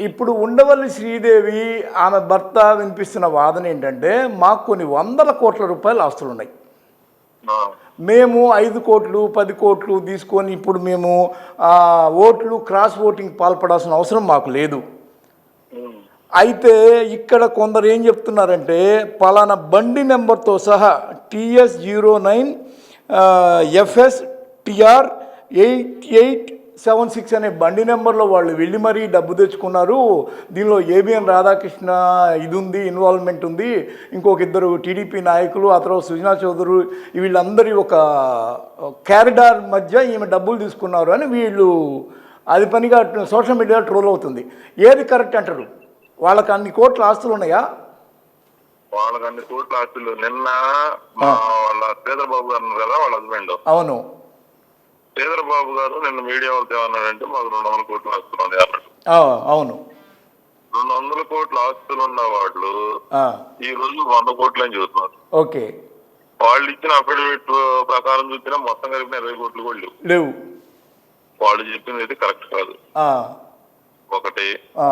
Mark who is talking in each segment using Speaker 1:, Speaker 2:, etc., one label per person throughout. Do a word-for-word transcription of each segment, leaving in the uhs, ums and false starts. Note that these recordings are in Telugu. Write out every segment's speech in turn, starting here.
Speaker 1: ఇప్పుడు ఉండవల్లి శ్రీదేవి ఆమె భర్త వినిపిస్తున్న వాదన ఏంటంటే మాకు కొన్ని వందల కోట్ల రూపాయల ఆస్తులు ఉన్నాయి. మేము ఐదు కోట్లు పది కోట్లు తీసుకొని ఇప్పుడు మేము ఓట్లు క్రాస్ ఓటింగ్ పాల్పడాల్సిన అవసరం మాకు లేదు. అయితే ఇక్కడ కొందరు ఏం చెప్తున్నారంటే పలానా బండి నెంబర్తో సహా TS zero nine FS TR eight eight seven six అనే బండి నెంబర్లో వాళ్ళు వెళ్ళి మరీ డబ్బు తెచ్చుకున్నారు. దీనిలో ఏబిఎన్ రాధాకృష్ణ ఇది ఉంది, ఇన్వాల్వ్మెంట్ ఉంది, ఇంకొక ఇద్దరు టీడీపీ నాయకులు, ఆ తర్వాత సుజనా చౌదరి, వీళ్ళందరి ఒక క్యారిడార్ మధ్య ఈమె డబ్బులు తీసుకున్నారు అని వీళ్ళు అది పనిగా సోషల్ మీడియాలో ట్రోల్ అవుతుంది. ఏది కరెక్ట్ అంటారు? వాళ్ళకి అన్ని కోట్ల ఆస్తులు ఉన్నాయా?
Speaker 2: వాళ్ళకి అన్ని కోట్ల ఆస్తులు. నిన్న వాళ్ళ పేదబాబు గారు కదా వాళ్ళ హస్బెండ్, అవును, చంద్రబాబు గారు నిన్న మీడియా వాళ్ళతో ఏమన్నాడంటే మాకు రెండు వందల కోట్ల ఆస్తులు ఉన్నాయి అన్నాడు. అవును, రెండు వందల కోట్ల ఆస్తులు ఉన్న వాళ్ళు ఈ రోజు వంద కోట్లు అని చెబుతున్నారు. ఓకే, వాళ్ళు ఇచ్చిన అఫిడవిట్ ప్రకారం చూసినా మొత్తం కలిపిన ఇరవై కోట్లు కూడా లేవు లేవు వాళ్ళు చెప్పింది అయితే కరెక్ట్ కాదు. ఒకటి,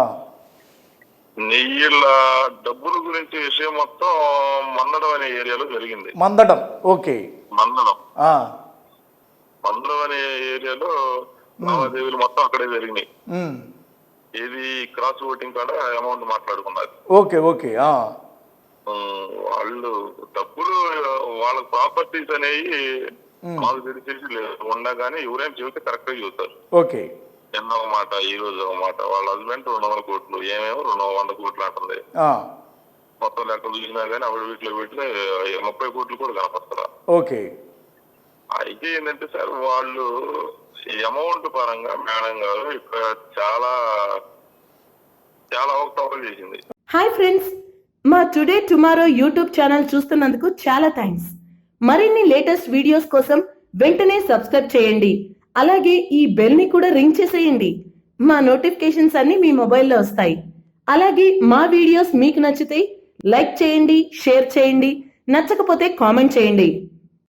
Speaker 2: నెయ్యిల డబ్బుల గురించి విషయం మొత్తం మందడం అనే ఏరియాలో జరిగింది. మందడం ఓకే మందడం మందడం అనే ఏరియాలో లావాదేవీలు మొత్తం అక్కడే జరిగినాయి. ఇది క్రాస్ ఓటింగ్ కాడ అమౌంట్ మాట్లాడుకున్నారు. ఓకే ఓకే వాళ్ళు డబ్బులు వాళ్ళ ప్రాపర్టీస్ అనేవి మాకు తెలిసి ఉండగానే ఎవరైనా చెబితే కరెక్ట్ గా చూస్తారు. ఓకే, నిన్న ఒక మాట ఈ రోజు ఒక మాట. వాళ్ళ హస్బెండ్ రెండు వందల కోట్లు ఏమేమో రెండు వంద కోట్లు అంటుంది. మొత్తం లెక్క చూసినా కానీ అప్పుడు వీటిలో వీటిలో ముప్పై కోట్లు కూడా కనపడతారా. ఓకే, అయితే ఏంటంటే సార్ వాళ్ళు అమౌంట్ పరంగా మేడం గారు ఇక్కడ చాలా చాలా అవకతవకలు చేసింది.
Speaker 3: హాయ్ ఫ్రెండ్స్, మా టుడే టుమారో యూట్యూబ్ ఛానల్ చూస్తున్నందుకు చాలా థ్యాంక్స్. మరిన్ని లేటెస్ట్ వీడియోస్ కోసం వెంటనే సబ్స్క్రైబ్ చేయండి. అలాగే ఈ బెల్ ని కూడా రింగ్ చేసేయండి. మా నోటిఫికేషన్స్ అన్ని మీ మొబైల్లో వస్తాయి. అలాగే మా వీడియోస్ మీకు నచ్చితే లైక్ చేయండి, షేర్ చేయండి, నచ్చకపోతే కామెంట్ చేయండి.